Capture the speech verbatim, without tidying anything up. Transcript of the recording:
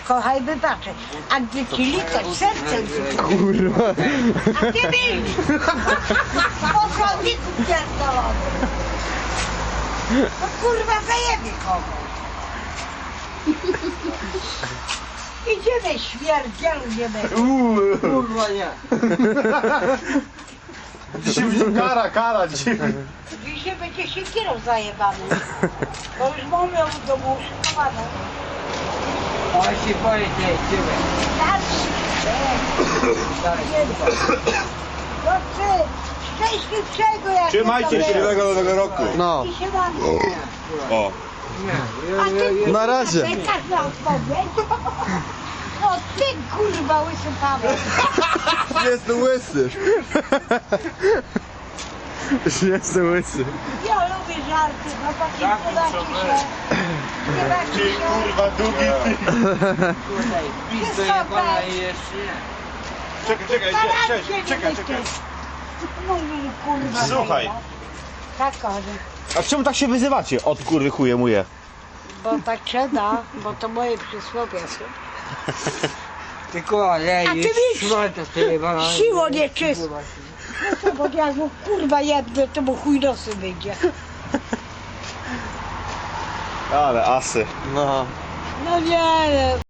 kochaj, wybaczę. A gdy ci likać sercem, Kurwa. a ty milcz! Po chodniku pierdolony. No kurwa, zajebie kogoś. Idziemy, śmierdzielu, nie będzie. Uuu. Kurwa nie. Dzisiaj będzie kara, kara dzisiaj. Dzisiaj będzie siekierą zajebany. Bo już mamy ją w domu uszykowaną. O się boję tej dziewę. No ty, szczęśliwszego jak Trzymajcie się. Miłego nowego roku. No. I się mam. O. A ty Na razie. czekasz na odpowiedź? O ty kurwa łysy Paweł. Jestem łysy. Jestem łysy. Ja lubię żarty, no takie podacie się. Nie bacie Ty się. kurwa długi ty. Kurwa i pizdo jebana i jeszcze nie. Czekaj, czekaj, Staracie czekaj, się, czekaj, wy czekaj. ty. Mówi kurwa. Słuchaj. zajebać. Tak, kochany. A czemu tak się wyzywacie? Od kurwy chuje muje. Bo tak trzeba, bo to moje przysłowie są. Tylko A ty leje, wiesz, szmata ty jebana. siło nieczysta. No to bo jak mu kurwa jedne, to mu chuj nosy wyjdzie. Ale asy. No. No nie,